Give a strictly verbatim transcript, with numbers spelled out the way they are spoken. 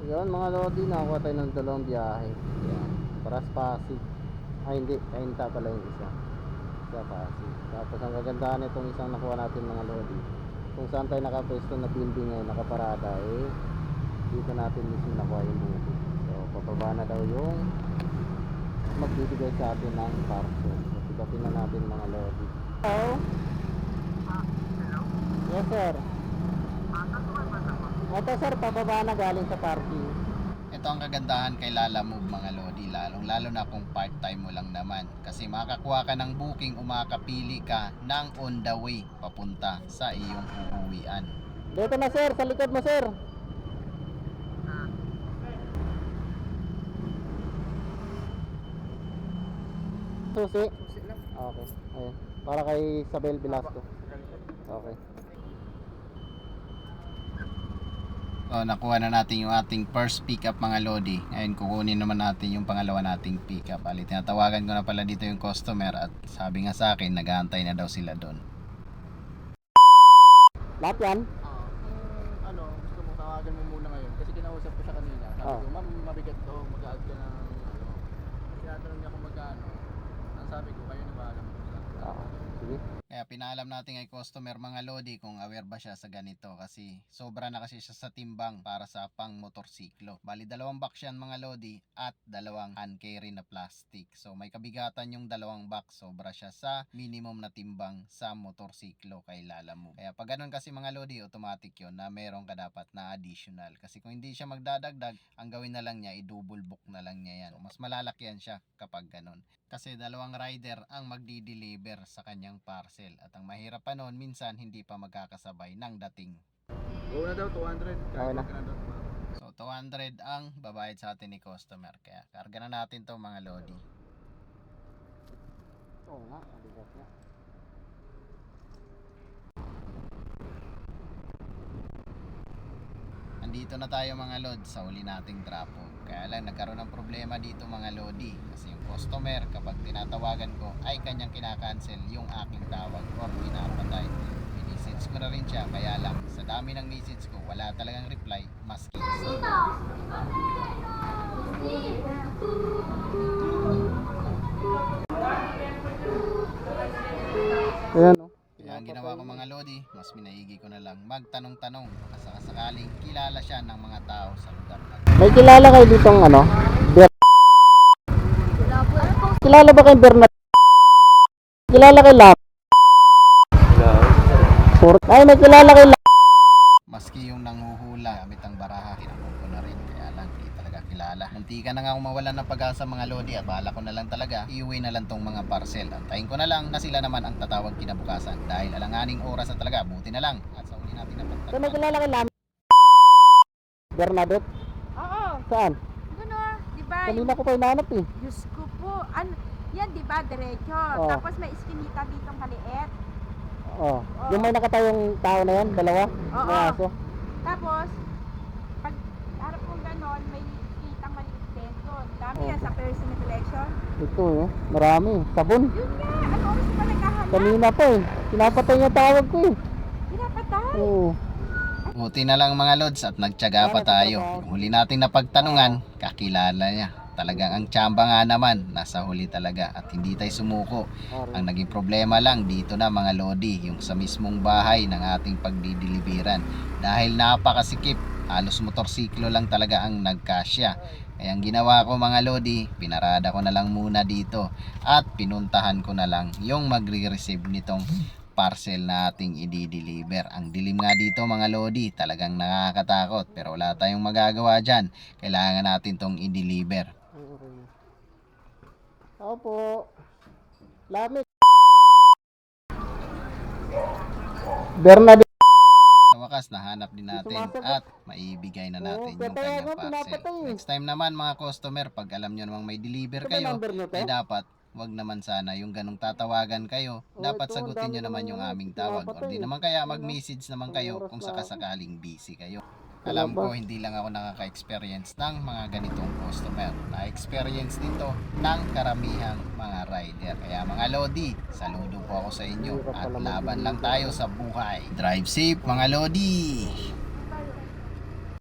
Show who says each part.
Speaker 1: Yun mga lodi, nakakuha tayo ng dalawang biyahe. Yan. Paras Pasig. Ay hindi, Kainta pala yung isa. Isa Pasig. Tapos ang kagandahan itong isang nakuha natin mga lodi, kung saan tayo nakapwesto na building ngayon, nakaparada, eh dito natin mismo nakuha yung booking. So papaba na daw yung magbibigay sa atin ng parcel. So pigapin na natin mga lodi. Hello? Yes sir. Ito sir, pababa na galing sa parking.
Speaker 2: Ito ang kagandahan kay Lala Move mga lodi, lalong lalo na kung part time mo lang naman, kasi makakuha ka ng booking o makakapili ka ng on the way papunta sa iyong uuwian.
Speaker 1: Dito na sir, sa likod mo sir. Susi? Susi lang. Okay, ayun. Para kay Isabel Velasco. Okay.
Speaker 2: So nakuha na natin yung ating first pickup mga lodi. Ngayon kukunin naman natin yung pangalawa nating pickup. Ali, tinatawagan ko na pala dito yung customer at sabi nga sa akin nag-aantay na daw sila doon.
Speaker 1: Lahat yan?
Speaker 3: Ah, kung ano, gusto mo tawagan mo muna ngayon kasi kinausap ko siya kanina. Sabi
Speaker 1: Oh.
Speaker 3: ko, ma'am, mabigat to, mag-add ka ng ano. Tinatanong niya kung magkano. Ang sabi ko, kayo na bahala mo sa.
Speaker 1: Oo. Sige.
Speaker 2: Kaya pinaalam natin kay customer mga lodi kung aware ba siya sa ganito, kasi sobra na kasi siya sa timbang para sa pang motorsiklo. Bali dalawang box yan mga lodi at dalawang hand carry na plastic. So may kabigatan yung dalawang box, sobra siya sa minimum na timbang sa motorsiklo kay Lala Move. Kaya pag ganun kasi mga lodi, automatic yun na meron ka dapat na additional. Kasi kung hindi siya magdadagdag, ang gawin na lang niya, i-double book na lang niya yan. So, mas malalakyan siya kapag ganun. Kasi dalawang rider ang magdi-deliver sa kanyang parcel. At ang mahirap pa noon, minsan hindi pa magkakasabay ng dating.
Speaker 3: Go na daw, two hundred.
Speaker 1: Okay na.
Speaker 3: Ka na daw.
Speaker 2: So two hundred ang babayad sa atin ni customer. Kaya karga na natin to mga lodi.
Speaker 1: Oo nga, mabigat nga.
Speaker 2: Andito na tayo mga lod sa huli nating trapo. Kaya lang nagkaroon ng problema dito mga lodi. Kasi yung customer kapag tinatawagan ko ay kanyang kinakancel yung aking tawag or pinapatay. Minisage ko na rin siya, kaya lang sa dami ng message ko wala talagang reply maski isa.
Speaker 1: Ayan o.
Speaker 2: Kaya ang ginawa ko mga lodi, mas minaigi ko na lang magtanong-tanong baka sakaling kilala siya ng mga tao sa lugar na.
Speaker 1: May kilala kayo ditong ano? Ber Kilala ba kay Bernard? Kilala kay Lam? Pur Ay, may kilala kay Lam.
Speaker 2: Maski yung nanghuhula gamit ang baraha, tinanong ko na rin, kaya lang di talaga kilala. Munti ka na nga mawalan ng pag-asa mga lodi at bahala ko na lang talaga iuwi na lang tong mga parcel. Antayin ko na lang na sila naman ang tatawag kinabukasan dahil alanganing oras na talaga, buti na lang at sa uli natin na
Speaker 1: So, may kilala kay Lam? Bernadette?
Speaker 4: Oo,
Speaker 1: Saan?
Speaker 4: ano, di ba?
Speaker 1: Kanina ko pa hinanap eh.
Speaker 4: Diyos ko po, ano, yan di ba, diretso.
Speaker 1: Oh.
Speaker 4: Tapos may iskinita ditong kaliit.
Speaker 1: Oh. Yung may nakatayong tao na yan, dalawa?
Speaker 4: Oo.
Speaker 1: May aso?
Speaker 4: Tapos, pag harap kong ganon, may kitang maliit din doon. Dami
Speaker 1: Oh.
Speaker 4: yan sa personal collection.
Speaker 1: Ito eh, marami. Sabon.
Speaker 4: Yun nga, ano oras pa naghahanap?
Speaker 1: Kanina pa eh. Pinapatay yung tawag ko eh.
Speaker 4: Pinapatay.
Speaker 1: Oo.
Speaker 2: Buti na lang mga lods at nagtyaga pa tayo. Yung huli nating napagtanungan, kakilala niya. Talagang ang tsamba nga naman, nasa huli talaga at hindi tayo sumuko. Ang naging problema lang dito na mga lodi, yung sa mismong bahay ng ating pagdidiliberan. Dahil napakasikip, halos motorsiklo lang talaga ang nagkasya. Kaya ang ginawa ko mga lodi, pinarada ko na lang muna dito at pinuntahan ko na lang yung magre-receive nitong parcel na ating i-deliver. Ang dilim nga dito mga lodi, talagang nakakatakot pero wala tayong magagawa dyan. Kailangan natin tong i-deliver.
Speaker 1: Opo. Lamig. Bernadette.
Speaker 2: Sa wakas, nahanap din natin at maibigay na natin yung kanyang parcel. Next time naman mga customer, pag alam nyo namang may deliver kayo, ay dapat wag naman sana yung ganong tatawagan kayo. Dapat sagutin nyo naman yung aming tawag. O di naman kaya mag-message naman kayo kung sakasakaling busy kayo. Alam ko hindi lang ako nakaka-experience ng mga ganitong customer. Na-experience dito ng karamihang mga rider. Kaya mga lodi, saludo po ako sa inyo at laban lang tayo sa buhay. Drive safe mga lodi!